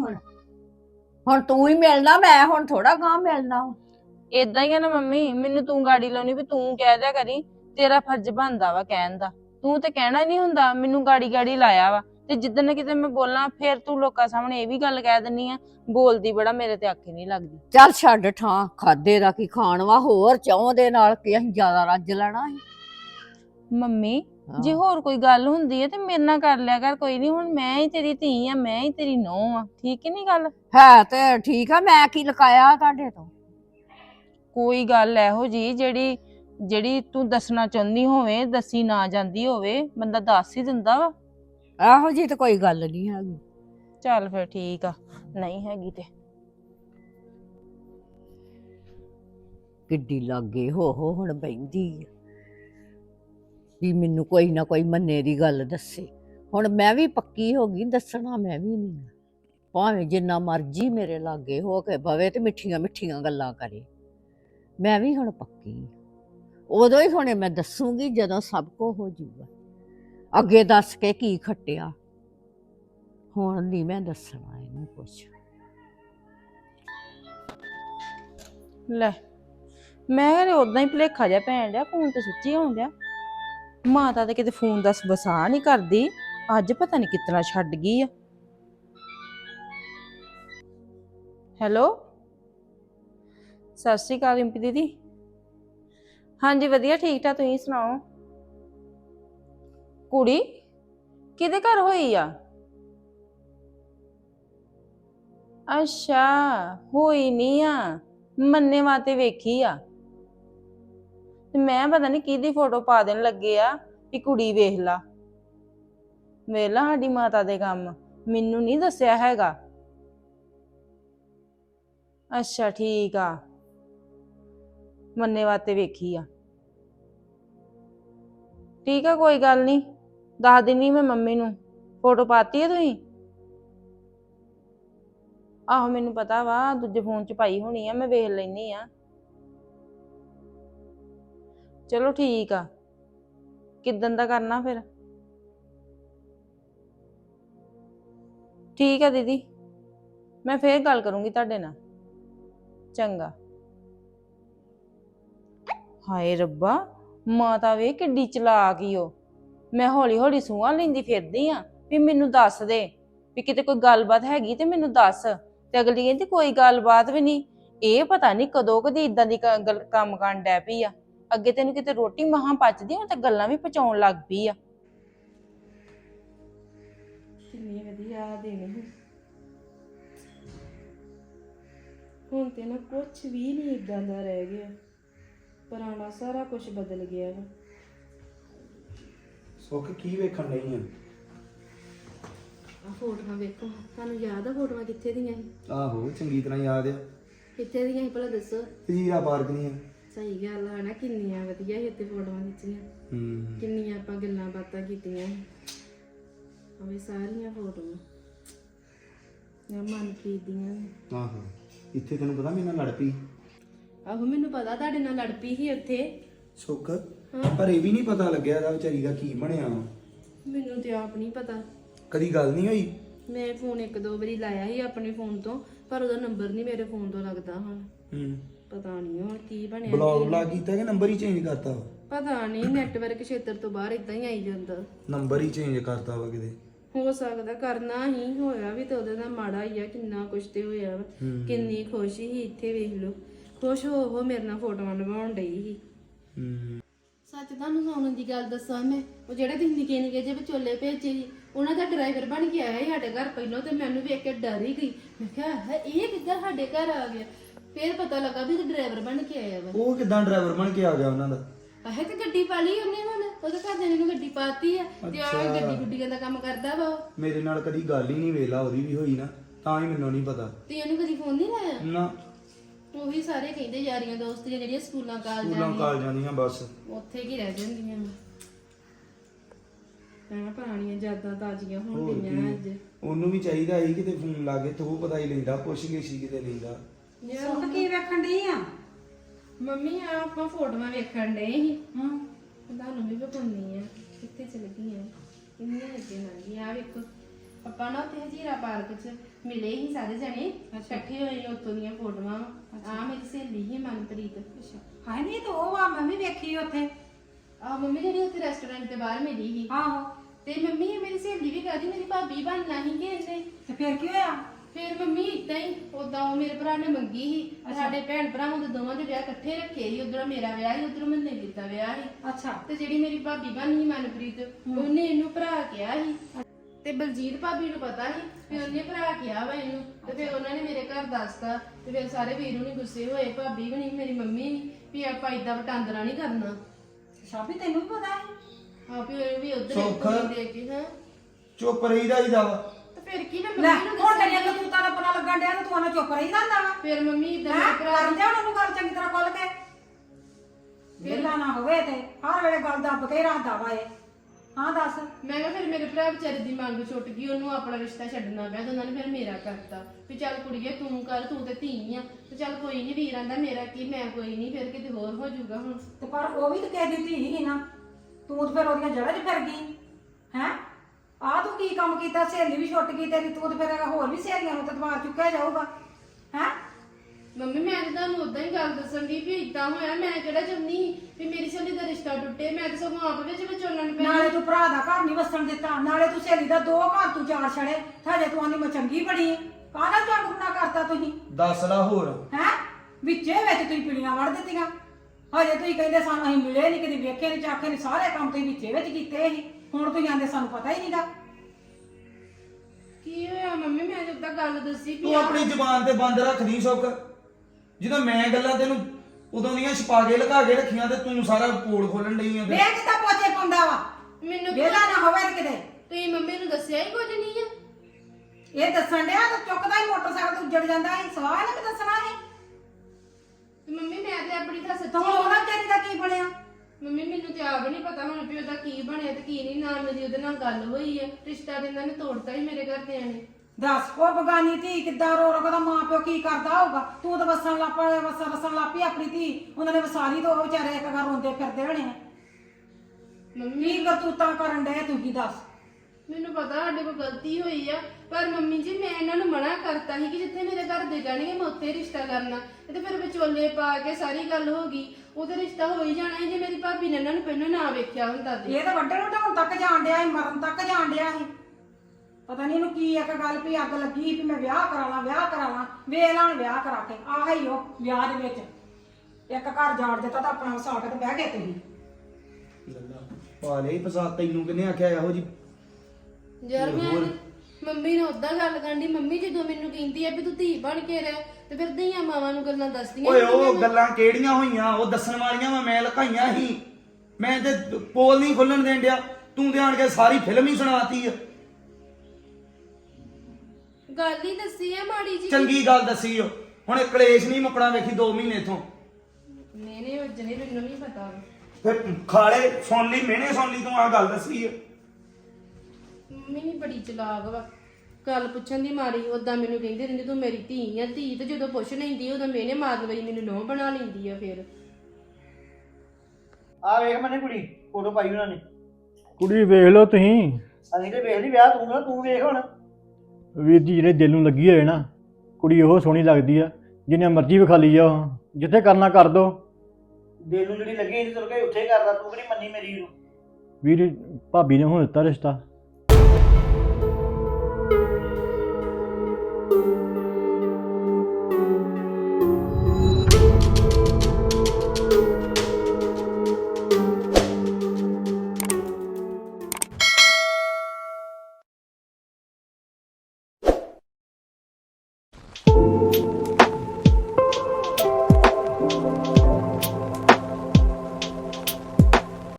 E: ਹੁਣ ਤੂੰ ਹੀ ਮਿਲਣਾ, ਮੈਂ ਹੁਣ ਥੋੜਾ ਗਾਂ ਮਿਲਣਾ।
F: ਏਦਾਂ ਹੀ ਆ ਨਾ ਮੰਮੀ, ਮੈਨੂੰ ਤੂੰ ਗਾੜੀ ਲਾਉਣੀ ਵੀ ਤੂੰ ਕਹਿ ਦਿਆ ਕਰੀ, ਤੇਰਾ ਫਰਜ਼ ਬਣਦਾ ਵਾ ਕਹਿਣ ਦਾ। ਤੂੰ ਤੇ ਕਹਿਣਾ ਨਹੀਂ ਹੁੰਦਾ, ਮੈਨੂੰ ਗਾੜੀ ਗਾੜੀ ਲਾਇਆ ਵਾ, ਤੇ ਜਿੱਦਣ ਕਿਤੇ ਮੈਂ ਬੋਲਾਂ ਫਿਰ ਤੂੰ ਲੋਕਾਂ ਸਾਹਮਣੇ ਇਹ ਵੀ ਗੱਲ ਕਹਿ ਦਿੰਨੀ ਆ, ਬੋਲਦੀ ਬੜਾ, ਮੇਰੇ ਤੇ ਆਖੇ ਨਹੀਂ ਲੱਗਦੀ।
E: ਚੱਲ ਛੱਡ ਠਾਂ, ਖਾਦੇ ਦਾ ਕੀ ਖਾਣ ਵਾ, ਹੋਰ ਚਾਹ ਦੇ ਨਾਲ ਕੀ ਅਸੀਂ ਜ਼ਿਆਦਾ ਰੱਜ ਲੈਣਾ ਸੀ।
F: ਮੰਮੀ ਜੇ ਹੋਰ ਕੋਈ ਗੱਲ ਹੁੰਦੀ ਹੈ ਤੇ ਮੇਰੇ ਨਾਲ ਕਰ ਲਿਆ ਕਰ, ਕੋਈ ਨਹੀਂ। ਹੁਣ ਮੈਂ ਹੀ ਤੇਰੀ ਧੀ ਆ, ਮੈਂ ਹੀ ਤੇਰੀ ਨੂੰਹ ਆ, ਠੀਕ ਨਹੀਂ ਗੱਲ?
E: ਹੈ ਤੇ ਠੀਕ ਆ, ਮੈਂ ਕੀ ਲਕਾਇਆ ਤੁਹਾਡੇ ਤੋਂ?
F: ਕੋਈ ਗੱਲ ਇਹੋ ਜੀ ਜਿਹੜੀ ਤੂੰ ਦੱਸਣਾ ਚਾਹੁੰਦੀ ਹੋਵੇ, ਦੱਸੀ ਨਾ ਜਾਂਦੀ ਹੋਵੇ, ਬੰਦਾ ਦੱਸ ਹੀ ਦਿੰਦਾ ਵਾ।
E: ਇਹੋ ਜੀ ਤਾਂ ਕੋਈ ਗੱਲ ਨਹੀਂ ਹੈਗੀ।
F: ਚੱਲ ਫਿਰ ਠੀਕ ਆ, ਨਹੀਂ ਹੈਗੀ ਤੇ
E: ਕਿੱਡੀ ਲਾਗੇ ਹੋ ਹੁਣ ਬੈਂਦੀ ਆ ਵੀ ਮੈਨੂੰ ਕੋਈ ਨਾ ਕੋਈ ਮੰਨੇ ਦੀ ਗੱਲ ਦੱਸੇ। ਹੁਣ ਮੈਂ ਵੀ ਪੱਕੀ ਹੋ ਗਈ, ਦੱਸਣਾ ਮੈਂ ਵੀ ਨਹੀਂ। ਭਾਵੇਂ ਜਿੰਨਾ ਮਰਜ਼ੀ ਮੇਰੇ ਲਾਗੇ ਹੋ ਕੇ ਬਵੇ ਤੇ ਮਿੱਠੀਆਂ ਮਿੱਠੀਆਂ ਗੱਲਾਂ ਕਰੇ, ਮੈਂ ਵੀ ਹੁਣ ਪੱਕੀ ਆ। ਉਦੋਂ ਹੀ ਹੁਣੇ ਮੈਂ ਦੱਸੂਗੀ ਜਦੋਂ ਸਭ ਕੁਝ ਹੋ ਜਾਊਗਾ। ਅੱਗੇ ਦੱਸ ਕੇ ਕੀ ਖੱਟਿਆ, ਹੁਣ ਨਹੀਂ ਮੈਂ ਦੱਸਣਾ ਇਹਨੂੰ ਕੁਛ।
F: ਲੈ ਮੈਂ ਕਹਿੰਦੇ ਉਦਾਂ ਹੀ ਭੁਲੇਖਾ ਜਿਹਾ ਪੈਣ ਡਿਆ, ਫੋਨ ਤੇ ਸੁੱਚੀ ਹੋਣ ਡਿਆ। ਮਾਤਾ ਤੇ ਕਿਤੇ ਫੋਨ ਦਾ ਵਸਾ ਨਹੀਂ ਕਰਦੀ, ਅੱਜ ਪਤਾ ਨਹੀਂ ਕਿਤਨਾ ਛੱਡ ਗਈ ਆ। ਹੈਲੋ, ਸਤਿ ਸ਼੍ਰੀ ਅਕਾਲ ਰਿੰਪੀ ਦੀਦੀ। ਹਾਂਜੀ ਵਧੀਆ ਠੀਕ ਠਾਕ, ਤੁਸੀਂ ਸੁਣਾਓ? ਕੁੜੀ ਕਿਹਦੇ ਘਰ ਹੋਈ ਆ? ਅੱਛਾ, ਹੋਈ ਨਹੀਂ ਆ, ਮੰਨੇ ਵਾਤੇ ਵੇਖੀ ਆ। ਤੇ ਮੈਂ ਪਤਾ ਨਹੀਂ ਕਿਹਦੀ ਫੋਟੋ ਪਾ ਦੇਣ ਲੱਗੇ ਆ ਵੀ ਕੁੜੀ ਵੇਖ ਲਾ। ਵੇਖ ਲਾ ਸਾਡੀ ਮਾਤਾ ਦੇ ਕੰਮ, ਮੈਨੂੰ ਨਹੀਂ ਦੱਸਿਆ ਹੈਗਾ। ਅੱਛਾ ਠੀਕ ਆ, ਮੰਨੇ ਵਾਤੇ ਵੇਖੀ ਆ। ਠੀਕ ਆ ਕੋਈ ਗੱਲ ਨਹੀਂ, ਦੱਸ ਦਿੰਨੀ ਮੈਂ ਮੰਮੀ ਨੂੰ। ਫੋਟੋ ਪਾਤੀ ਹੈ ਤੁਸੀਂ? ਆਹੋ ਮੈਨੂੰ ਪਤਾ ਵਾ, ਦੂਜੇ ਫੋਨ 'ਚ ਪਾਈ ਹੋਣੀ ਆ, ਮੈਂ ਵੇਖ ਲੈਣੀ ਆ। ਚਲੋ ਠੀਕ ਆ, ਕਿੱਦਣ ਦਾ ਕਰਨਾ ਫਿਰ? ਠੀਕ ਆ ਦੀਦੀ, ਮੈਂ ਫੇਰ ਗੱਲ ਕਰੂੰਗੀ ਤੁਹਾਡੇ ਨਾਲ। ਚੰਗਾ। ਹਾਏ ਰੱਬਾ, ਮਾਤਾ ਵੇ ਕਿੱਡੀ ਚਲਾਕ ਈ ਓ। ਮੈਂ ਹੌਲੀ ਹੌਲੀ ਸੂਹਾਂ ਲੈਂਦੀ ਫਿਰਦੀ ਆ ਵੀ ਮੈਨੂੰ ਦੱਸ ਦੇ, ਵੀ ਕਿਤੇ ਕੋਈ ਗੱਲਬਾਤ ਹੈਗੀ ਤੇ ਮੈਨੂੰ ਦੱਸ। ਤੇ ਅਗਲੀ ਕਹਿੰਦੀ ਕੋਈ ਗੱਲਬਾਤ ਵੀ ਨਹੀਂ। ਇਹ ਪਤਾ ਨਹੀਂ ਕਦੋਂ ਕਦੀ ਇਦਾਂ ਦੀ ਕੰਮ ਕਰਨ ਡੈ ਪਈ ਆ। ਅੱਗੇ ਤੈਨੂੰ ਕਿਤੇ ਰੋਟੀ ਮਹਾਂ ਪਚਦੀ, ਹੁਣ ਤਾਂ ਗੱਲਾਂ ਵੀ ਪਚਾਉਣ ਲੱਗ ਪਈ ਆ।
G: ਕਿੰਨੀ ਵਧੀਆ ਦਿਨ ਹੁਣ ਤੇ ਨਾ ਕੁਛ ਵੀ ਨਹੀਂ ਇਦਾਂ ਦਾ ਰਹਿ ਗਿਆ, ਪੁਰਾਣਾ ਸਾਰਾ ਕੁਝ ਬਦਲ ਗਿਆ ਵਾ।
H: ਸੁੱਖ ਕੀ ਵੇਖਣ ਲਈ ਆ?
G: ਆ ਫੋਟੋਆਂ ਵੇਖੋ, ਤੁਹਾਨੂੰ ਯਾਦ ਆ ਫੋਟੋਆਂ ਕਿੱਥੇ ਦੀਆਂ ਸੀ?
H: ਆਹੋ ਚੰਗੀ ਤਰ੍ਹਾਂ ਯਾਦ ਆ।
G: ਕਿੱਥੇ ਦੀਆਂ ਸੀ ਭਲਾ ਦੱਸੋ?
H: ਜੀਰਾ ਪਾਰਕ ਦੀਆਂ।
G: ਸਹੀ ਗੱਲ ਆ ਨਾ, ਕਿੰਨੀਆਂ ਵਧੀਆ ਸੀ ਉੱਤੇ ਫੋਟੋਆਂ ਖਿੱਚੀਆਂ, ਕਿੰਨੀਆਂ ਆਪਾਂ ਗੱਲਾਂ ਬਾਤਾਂ ਕੀਤੀਆਂ। ਉਹ ਸਾਰੀਆਂ ਫੋਟੋਆਂ ਮਨਪ੍ਰੀਤ ਦੀਆਂ।
H: ਆਹੋ ਇੱਥੇ ਤੈਨੂੰ ਪਤਾ ਮੇਰੇ ਨਾਲ ਲੜ ਪਈ।
G: ਆਹੋ ਮੈਨੂੰ ਪਤਾ ਤੁਹਾਡੇ ਨਾਲ ਲੜ ਪਈ ਸੀ ਉੱਥੇ।
H: ਸੁੱਖ ਪਰ ਇਹ ਵੀ ਨਹੀਂ ਪਤਾ ਲੱਗਿਆ ਇਹਦਾ ਵਿਚਾਰੀ ਦਾ ਕੀ ਬਣਿਆ।
G: ਮੈਨੂੰ ਤੇ ਆਪ ਨਹੀਂ ਪਤਾ,
H: ਕਦੀ ਗੱਲ ਨਹੀਂ ਹੋਈ।
G: ਮੈਂ ਫੋਨ ਇੱਕ ਦੋ ਵਾਰੀ ਲਾਇਆ ਸੀ ਆਪਣੇ ਫੋਨ ਤੋਂ, ਪਰ ਉਹਦਾ ਨੰਬਰ ਨਹੀਂ ਮੇਰੇ ਫੋਨ ਤੋਂ ਲੱਗਦਾ ਹੁਣ। ਪਤਾ ਨਹੀਂ ਹੁਣ ਕੀ ਬਣਿਆ।
H: ਬਲੌਕ ਕੀਤਾ ਕਿ ਨੰਬਰ ਹੀ ਚੇਂਜ ਕਰਤਾ?
G: ਪਤਾ ਨਹੀਂ, ਨੈਟਵਰਕ ਖੇਤਰ ਤੋਂ ਬਾਹਰ ਇਦਾਂ ਹੀ ਆਈ ਜਾਂਦਾ।
H: ਨੰਬਰ ਹੀ ਚੇਂਜ ਕਰਤਾ ਵਾ ਕਿਤੇ।
G: ਹੋ ਸਕਦਾ, ਕਰਨਾ ਹੀ ਹੋਇਆ ਵੀ ਤੇ ਉਹਦੇ ਨਾਲ ਮਾੜਾ ਹੀ ਆ। ਕਿੰਨਾ ਕੁਛ ਤੇ ਹੋਇਆ ਵਾ, ਕਿੰਨੀ ਖੁਸ਼ ਸੀ ਇੱਥੇ ਵੇਖ ਲਓ। ਖੁਸ਼ ਹੋ ਮੇਰੇ ਨਾਲ ਫੋਟੋਆਂ ਨਿਭਾਉਣ ਡਈ ਸੀ। ਸੱਚ ਤੁਹਾਨੂੰ ਸੁਣਨ ਦੀ ਗੱਲ ਦੱਸਾਂ, ਮੈਂ ਉਹ ਜਿਹੜੇ ਤੁਸੀਂ ਨਿੱਕੇ ਨਿੱਕੇ ਜਿਹੇ ਵਿਚੋਲੇ ਭੇਜੇ ਸੀ, ਉਹਨਾਂ ਦਾ ਡਰਾਈਵਰ ਬਣ ਕੇ ਆਇਆ ਸੀ ਸਾਡੇ ਘਰ ਪਹਿਲਾਂ। ਤੇ ਮੈਨੂੰ ਵੇਖ ਕੇ ਡਰ ਹੀ ਗਈ, ਮੈਂ ਕਿਹਾ ਇਹ ਕਿੱਧਰ ਸਾਡੇ ਘਰ ਆ ਗਿਆ। ਫੇਰ ਪਤਾ ਲੱਗਾ ਵੀ ਉਹ ਡਰਾਈਵਰ ਬਣ ਕੇ ਆਇਆ ਵਾ।
H: ਉਹ ਕਿਦਾਂ ਡਰਾਈਵਰ ਬਣ ਕੇ ਆ ਗਿਆ ਉਹਨਾਂ ਦਾ?
G: ਆਹ ਤੇ ਗੱਡੀ ਪਾ ਲਈ ਉਹਨੇ, ਹੁਣ ਉਹਦੇ ਘਰਦਿਆਂ ਨੇ ਗੱਡੀ ਪਾਤੀ ਆ ਤੇ ਆ ਗੱਡੀ ਗੁੱਡੀਆਂ ਦਾ ਕੰਮ ਕਰਦਾ ਵਾ ਉਹ।
H: ਮੇਰੇ ਨਾਲ ਕਦੀ ਗੱਲ ਹੀ ਨਹੀਂ ਵੇਲਾ ਉਹਦੀ ਵੀ ਹੋਈ ਨਾ, ਤਾਂ ਹੀ ਮੈਨੂੰ ਨਹੀਂ ਪਤਾ।
G: ਤੇ ਉਹਨੂੰ ਕਦੀ ਫੋਨ ਨਹੀਂ ਲਾਇਆ
H: ਨਾ।
G: ਉਹੀ ਸਾਰੇ ਕਹਿੰਦੇ ਯਾਰੀਆਂ ਦੋਸਤੀਆਂ ਜਿਹੜੀਆਂ ਸਕੂਲਾਂ
H: ਕਾਲਜਾਂ ਦੀਆਂ ਬਸ
G: ਉੱਥੇ ਕੀ ਰਹਿ ਜਾਂਦੀਆਂ ਤਾਂ ਪੁਰਾਣੀਆਂ ਯਾਦਾਂ ਤਾਜ਼ੀਆਂ ਹੋਣ ਗਈਆਂ ਅੱਜ।
H: ਉਹਨੂੰ ਵੀ ਚਾਹੀਦਾ ਸੀ ਕਿਤੇ ਫੋਨ ਲਾ ਕੇ ਤੂੰ ਪਤਾ ਹੀ ਲੈਂਦਾ, ਪੁੱਛ ਗਈ ਸੀ ਕਿਤੇ ਲੈਂਦਾ।
B: ਸੁੱਖ ਕੀ ਵੇਖਣ ਡਈ ਆ?
G: ਮੰਮੀ ਆ ਆਪਾਂ ਫੋਟੋਆਂ ਵੇਖਣ ਡਏ ਸੀ। ਤੁਹਾਨੂੰ ਵੀ ਵਿਖਾਉਣੀ ਆ ਕਿੱਥੇ ਚਲ ਗਈਆਂ, ਇੰਨੇ ਅੱਗੇ ਨਾ ਗਈ। ਆ ਵੇਖੋ ਆਪਾਂ ਨਾ ਉੱਥੇ ਹਜੀਰਾ ਪਾਰਕ 'ਚ ਮਿਲੇ ਸੀ ਸਾਰੇ ਜਣੇ ਇਕੱਠੇ ਹੋਏ, ਉੱਥੋਂ ਦੀਆਂ ਫੋਟੋਆਂ। ਆ ਮੇਰੀ ਸਹੇਲੀ ਸੀ ਮਨਪ੍ਰੀਤ।
B: ਹਾਏ ਨਹੀਂ ਤਾਂ ਉਹ ਵਾ, ਮੈਂ ਵੀ ਵੇਖੀ ਉੱਥੇ।
G: ਆ ਮੰਮੀ ਜਿਹੜੀ ਉੱਥੇ ਰੈਸਟੋਰੈਂਟ ਦੇ ਬਾਹਰ ਮਿਲੀ ਸੀ।
B: ਆਹੋ
G: ਤੇ ਮੰਮੀ ਇਹ ਮੇਰੀ ਸਹੇਲੀ ਵੀ ਕਹਦੀ ਮੇਰੀ ਭਾਬੀ ਬਣਨਾ ਸੀ ਕਿ ਇਹਨੇ।
B: ਤੇ ਫਿਰ ਕੀ ਹੋਇਆ?
G: ਫਿਰ ਮੰਮੀ ਇਦਾਂ ਹੀ ਉਦਾਂ ਉਹ ਮੇਰੇ ਭਰਾ ਨੇ ਮੰਗੀ ਸੀ। ਸਾਡੇ ਭੈਣ ਭਰਾਵਾਂ ਦੇ ਦੋਵਾਂ ਦੇ ਵਿਆਹ ਇਕੱਠੇ ਰੱਖੇ ਸੀ। ਉਧਰੋਂ ਮੇਰਾ ਵਿਆਹ ਸੀ, ਉਧਰੋਂ ਮੰਨੇ ਕੀਤਾ ਵਿਆਹ ਸੀ।
B: ਅੱਛਾ।
G: ਤੇ ਜਿਹੜੀ ਮੇਰੀ ਭਾਬੀ ਬਣੀ ਸੀ ਮਨਪ੍ਰੀਤ, ਉਹਨੇ ਇਹਨੂੰ ਭਰਾ ਕਿਹਾ ਸੀ। ਤੇ ਬਲਜੀਤ ਭਾਬੀ ਨੂੰ ਪਤਾ ਸੀ ਵੀ ਉਹਨੇ ਭਰਾ ਕਿਹਾ ਵਾ ਇਹਨੂੰ। ਤੇ ਫਿਰ ਉਹਨਾਂ ਨੇ ਮੇਰੇ ਘਰ ਦੱਸਤਾ। ਤੇ ਫਿਰ ਸਾਰੇ ਵੀਰ ਨੂੰ ਗੁੱਸੇ ਹੋਏ, ਭਾਬੀ ਵੀ ਨਹੀਂ, ਮੇਰੀ ਮੰਮੀ ਨਹੀਂ, ਵੀ ਆਪਾਂ ਏਦਾਂ ਵਟਾਂਦਰਾ ਨਹੀਂ ਕਰਨਾ।
B: ਸ਼ਾਬੀ ਤੈਨੂੰ ਵੀ ਪਤਾ ਹੈ?
G: ਹਾਂ ਵੀ ਉਧਰ ਦੇ ਕੇ। ਹਾਂ
H: ਚੁੱਪ ਰਹੀਦਾ ਹੀ ਦਾ ਵਾ।
G: ਤੇ ਫਿਰ ਕੀ ਮੈਂ
B: ਲੈ
G: ਮੰਮੀ ਨੂੰ
B: ਹੁਣ ਤੇਰੀਆਂ
G: ਦੱਸਿਆ
B: ਕਰਤੂਤਾਂ ਦਾ ਪਤਾ ਲੱਗਣ ਡਿਆ ਤੇ ਤੂੰ ਆਣਾ ਚੁੱਪ ਰਹੀ ਜਾਂਦਾ ਵਾ
G: ਫਿਰ ਮੰਮੀ ਇਦਾਂ
B: ਹੈਂ?
G: ਮੇਰੇ ਭਰਾ
B: ਕਰਨ ਦੇ ਉਹਨੂੰ ਗੱਲ ਚੰਗੀ ਤਰ੍ਹਾਂ ਖੋਲ ਕੇ ਵਿਹਲਾ ਨਾ ਹੋਵੇ ਤੇ ਹਰ ਵੇਲੇ ਗੱਲ ਦੱਬ ਕੇ ਹੀ ਰੱਖਦਾ ਵਾ ਇਹ। ਹਾਂ ਦੱਸ।
G: ਮੈਂ ਕਿਹਾ ਫਿਰ ਮੇਰੇ ਭਰਾ ਵਿਚਾਰੇ ਦੀ ਮੰਗ ਛੁੱਟ ਗਈ, ਉਹਨੂੰ ਆਪਣਾ ਰਿਸ਼ਤਾ ਛੱਡਣਾ ਪਿਆ ਤੇ ਉਹਨਾਂ ਨੇ ਫਿਰ ਮੇਰਾ ਕਰਤਾ ਵੀ ਚੱਲ ਕੁੜੀਏ ਤੂੰ ਕਰ, ਤੂੰ ਤੇ ਧੀ ਆ ਤੇ ਚੱਲ ਕੋਈ ਨਹੀਂ, ਵੀਰ ਆਂਦਾ ਮੇਰਾ ਕੀ, ਮੈਂ ਕੋਈ ਨਹੀਂ, ਫਿਰ ਕਿਤੇ ਹੋਰ ਹੋ ਜਾਊਗਾ ਹੁਣ।
B: ਤੇ ਪਰ ਉਹ ਵੀ ਤਾਂ ਕਿਸੇ ਦੀ ਧੀ ਸੀ ਨਾ, ਤੂੰ ਤੇ ਫਿਰ ਉਹਦੀਆਂ ਜੜ੍ਹਾਂ 'ਚ ਫਿਰ ਗਈ ਹੈ। ਆਹ ਤੂੰ ਕੀ ਕੰਮ ਕੀਤਾ, ਸਹੇਲੀ ਵੀ ਛੁੱਟ ਗਈ ਤੇਰੀ, ਤੂੰ ਤੇ ਫਿਰ ਹੋਰ ਵੀ ਸਹੇਲੀਆਂ ਨੂੰ ਤੇ ਦਵਾ ਚੁੱਕਿਆ ਜਾਊਗਾ ਹੈ।
G: ਮੰਮੀ ਮੈਂ ਤਾਂ ਤੁਹਾਨੂੰ ਉਦਾਂ ਹੀ ਗੱਲ ਦੱਸਣ ਦੀ ਵੀ ਇਦਾਂ ਹੋਇਆ, ਮੈਂ ਕਿਹੜਾ ਚਾਹੁੰਦੀ ਸੀ ਵੀ ਮੇਰੀ ਸਹੇਲੀ ਦਾ ਰਿਸ਼ਤਾ ਟੁੱਟੇ, ਮੈਂ ਤਾਂ ਸਗੋਂ ਆਪ ਵਿੱਚ ਵਿਚੋਲਣ ਪਈ।
B: ਨਾਲੇ ਤੂੰ ਭਰਾ ਦਾ ਘਰ ਨਹੀਂ ਵਸਣ ਦਿੱਤਾ, ਨਾਲੇ ਤੂੰ ਸਹੇਲੀ ਦਾ 2 ਘਰ ਤੂੰ ਚਾਰ ਛੜੇ, ਹਜੇ ਤੂੰ ਆਂਦੀ ਮੈਂ ਚੰਗੀ ਬੜੀ ਆਂ। ਕਾਹਦਾ ਜਾਗਰੂਕਤਾ ਕਰਤਾ ਤੁਸੀਂ
H: ਦੱਸ ਲਾ ਹੋਰ।
B: ਹੈ। ਵਿੱਚੇ ਵਿੱਚ ਤੁਸੀਂ ਪਿੜੀਆਂ ਵੜ ਦਿੱਤੀਆਂ, ਹਜੇ ਤੁਸੀਂ ਕਹਿੰਦੇ ਸਾਨੂੰ ਅਸੀਂ ਮਿਲੇ ਨਹੀਂ, ਕਦੀ ਵੇਖੇ ਨਹੀਂ ਚਾਖੇ ਨਹੀਂ, ਸਾਰੇ ਕੰਮ ਤੁਸੀਂ ਵਿੱਚੇ ਵਿੱਚ ਕੀਤੇ ਸੀ, ਹੁਣ ਤੁਸੀਂ ਆਂਦੇ ਸਾਨੂੰ ਪਤਾ ਹੀ ਨਹੀਂਗਾ।
G: ਕੀ ਹੋਇਆ ਮੰਮੀ, ਮੈਂ ਤਾਂ ਗੱਲ ਦੱਸੀ ਵੀ
H: ਤੂੰ ਆਪਣੀ ਜ਼ੁਬਾਨ ਤੇ ਬੰਦ ਰੱਖਦੀ ਸੁੱਖ। ਜਦੋਂ ਮੈਂ ਗੱਲਾਂ ਤੈਨੂੰ ਉਦੋਂ ਦੀਆਂ ਛਪਾ ਕੇ ਲਗਾ ਕੇ ਰੱਖੀਆਂ ਤੇ ਤੂੰ ਸਾਰਾ ਪੋਲ ਖੋਲਣ ਡਈ ਆ ਤੇ।
B: ਵੇਖ ਕਿੱਦਾਂ ਪੋਚੇ ਪਾਉਂਦਾ ਵਾ,
G: ਮੈਨੂੰ
B: ਵੇਲਾ ਨਾ ਹੋਵੇ ਤੇ ਕਿਤੇ।
G: ਤੁਸੀਂ ਮੰਮੀ ਨੂੰ ਦੱਸਿਆ ਹੀ ਕੁਝ ਨਹੀਂ ਆ।
B: ਇਹ ਦੱਸਣ ਡਿਆ ਤਾਂ ਚੁੱਕਦਾ ਹੀ ਮੋਟਰਸਾਈਕਲ ਤੇ ਉੱਜੜ ਜਾਂਦਾ ਸੀ, ਸਵਾਹ ਨੇ ਵੀ ਦੱਸਣਾ ਸੀ।
G: ਤੇ ਮੰਮੀ ਮੈਂ ਤੇ ਆਪਣੀ ਤਾਂ
B: ਤਾਂ ਹੁਣ
G: ਸੱਚੀ
B: ਉਹਦਾ ਵਿਚਾਰੀ ਦਾ ਕੀ ਬਣਿਆ।
G: ਮੰਮੀ ਮੈਨੂੰ ਤੇ ਆਪ ਨਹੀਂ ਪਤਾ ਹੁਣ ਵੀ ਉਹਦਾ ਕੀ ਬਣਿਆ ਤੇ ਕੀ ਨਹੀਂ, ਨਾ ਮੇਰੀ ਉਹਦੇ ਨਾਲ ਗੱਲ ਹੋਈ ਹੈ, ਰਿਸ਼ਤਾ ਤੇ ਇਹਨਾਂ ਨੇ ਤੋੜਤਾ ਹੀ ਮੇਰੇ ਘਰਦਿਆਂ ਨੇ।
B: ਦੱਸ ਉਹ ਬਗਾਨੀ ਧੀ ਕਿੱਦਾਂ ਰੋ ਰੋ ਉਹਦਾ ਮਾਂ ਪਿਓ ਕੀ ਕਰਦਾ ਹੋਊਗਾ। ਤੂੰ ਤਾਂ ਵਸਣ ਲੱਪੀ ਆਪਣੀ ਧੀ, ਉਹਨਾਂ ਨੇ ਵਸਾਰੀ ਤੋਂ ਉਹ ਵਿਚਾਰੇ ਇੱਕ ਘਰ ਰੋਂਦੇ ਫਿਰਦੇ ਹੋਣੇ ਆ।
G: ਮੰਮੀ
B: ਕੀ ਕਰਤੂਤਾਂ ਕਰਨ ਡਏ ਤੂੰ ਕੀ ਦੱਸ।
G: ਮੈਨੂੰ ਪਤਾ ਸਾਡੇ ਕੋਲ ਗਲਤੀ ਹੋਈ ਆ, ਪਰ ਮੰਮੀ ਜੀ ਮੈਂ ਇਹਨਾਂ ਨੂੰ ਮਨਾ ਕਰਤਾ ਸੀ ਕਿ ਜਿੱਥੇ ਮੇਰੇ ਘਰ ਦੇ ਜਾਣਗੇ ਮੈਂ ਉੱਥੇ ਰਿਸ਼ਤਾ ਕਰਨਾ, ਤੇ ਫਿਰ ਵਿਚੋਲੇ ਪਾ ਕੇ ਸਾਰੀ ਗੱਲ ਹੋ ਗਈ, ਉਹਦਾ ਰਿਸ਼ਤਾ ਹੋ ਹੀ ਜਾਣਾ ਸੀ ਜੇ ਮੇਰੀ ਭਾਬੀ ਨੇ ਇਹਨਾਂ ਨੂੰ ਪਹਿਲਾਂ ਨਾ ਵੇਖਿਆ ਹੁੰਦਾ ਤੇ।
B: ਇਹ ਤਾਂ ਵੱਡੇ ਉਡਾਉਣ ਤੱਕ ਜਾਣ ਡਿਆ ਸੀ, ਮਰਨ ਤੱਕ ਜਾਣ ਡਿਆ ਸੀ। ਪਤਾ ਨਹੀਂ ਇਹਨੂੰ ਕੀ ਇੱਕ ਗੱਲ ਵੀ ਅੱਗ ਲੱਗੀ ਵੀ ਮੈਂ ਵਿਆਹ ਕਰਾ ਲਾਂ ਵੇਖ ਲਾਂ ਵਿਆਹ ਕਰਾ ਕੇ। ਆਹ ਹੀ ਉਹ ਵਿਆਹ ਦੇ ਵਿੱਚ ਇੱਕ ਘਰ ਜਾੜ ਦਿੱਤਾ ਤਾਂ ਆਪਣਾ ਵਸਾ ਕੇ ਤੇ ਬਹਿ ਗਏ ਤੁਸੀਂ।
H: ਲੱਲਾ ਪਾ ਲਈ ਫਸਾ, ਤੈਨੂੰ ਕਿਹਨੇ ਆਖਿਆ ਇਹੋ ਜੀ।
G: ਯਾਰ ਮੈਂ
H: ਹੋਰ?
G: ਮੰਮੀ ਨੇ ਉਦਾਂ ਗੱਲ ਕਰਨੀ, ਮੰਮੀ ਜਦੋਂ ਮੈਨੂੰ ਕਹਿੰਦੀ ਆ ਵੀ ਤੂੰ ਧੀ ਬਣ ਕੇ ਰਹਿ, ਤੇ ਫਿਰ ਧੀਆਂ ਮਾਵਾਂ ਨੂੰ ਗੱਲਾਂ ਦੱਸਦੀਆਂ
H: ਓਏ
G: ਹੁੰਦੀਆਂ
H: ਉਹ
G: ਨੇ।
H: ਗੱਲਾਂ ਕਿਹੜੀਆਂ ਹੋਈਆਂ, ਉਹ ਦੱਸਣ ਵਾਲੀਆਂ ਮੈਂ ਲੁਕਾਈਆਂ ਸੀ। ਮੈਂ ਤੇ ਪੋਲ ਨਹੀਂ ਖੋਲਣ ਦੇਣ ਡਿਆ, ਤੂੰ ਤੇ ਆਣ ਕੇ ਸਾਰੀ ਫਿਲਮ ਹੀ ਸੁਣਾਤੀ ਆ।
G: ਗੱਲ ਹੀ ਦੱਸੀ ਆ ਮਾੜੀ ਜੀ।
H: ਚੰਗੀ ਗੱਲ ਦੱਸੀ ਓ। ਹੁਣ ਇਹ ਕਲੇਸ਼ ਨਹੀਂ ਮੁੱਕਣਾ, ਵੇਖੀ 2 ਮਹੀਨੇ ਤੋਂ।
G: ਮੈਨੇ ਵੱਜਣੇ ਮੈਨੂੰ ਵੀ ਪਤਾ।
H: ਫਿਰ ਖਾਲੇ ਸੁਣ ਲਈ, ਮਿਹਣੇ ਸੁਣ ਲਈ, ਤੂੰ ਆਹ ਗੱਲ ਦੱਸੀ ਆ।
G: ਮੰਮੀ ਨਹੀਂ ਬੜੀ ਚਲਾਕ ਵਾ, ਗੱਲ ਪੁੱਛਣ ਦੀ ਮਾਰੀ ਉਦਾਂ ਮੈਨੂੰ ਕਹਿੰਦੇ ਰਹਿੰਦੇ ਤੂੰ ਮੇਰੀ ਧੀ ਆ, ਧੀ ਤੇ ਜਦੋਂ ਪੁੱਛ ਲੈਂਦੀ ਉਦੋਂ ਮੈਨੇ ਮਾਰਨ ਵਈ ਮੈਨੂੰ ਨਹੁੰ ਬਣਾ ਲੈਂਦੀ ਆ। ਫਿਰ
I: ਆ ਵੇਖ ਮੈਨੇ ਕੁੜੀ ਫੋਟੋ ਪਾਈ ਉਹਨਾਂ ਨੇ।
J: ਕੁੜੀ ਵੇਖ ਲਓ ਤੁਸੀਂ।
I: ਅਸੀਂ ਤੇ ਵੇਖ ਲਈ ਵਿਆਹ, ਤੂੰ ਵੇਖ ਹੁਣ।
J: ਵੀਰ ਜੀ ਜਿਹੜੇ ਦਿਲ ਨੂੰ ਲੱਗੀ ਹੋਏ ਨਾ, ਕੁੜੀ ਉਹ ਸੋਹਣੀ ਲੱਗਦੀ ਆ, ਜਿੰਨੇ ਮਰਜ਼ੀ ਵਿਖਾ ਲਈ ਜਾਓ, ਜਿੱਥੇ ਕਰਨਾ ਕਰ ਦੋ।
I: ਦਿਲ ਨੂੰ ਜਿਹੜੀ ਲੱਗੀ ਸੀ ਤੁਰ ਕੇ ਉੱਥੇ ਕਰਦਾ, ਤੂੰ ਕਿਹੜੀ ਮੰਨੀ ਮੇਰੀ ਨੂੰ।
J: ਵੀਰ ਭਾਬੀ ਨੇ ਹੁਣ ਦਿੱਤਾ ਰਿਸ਼ਤਾ।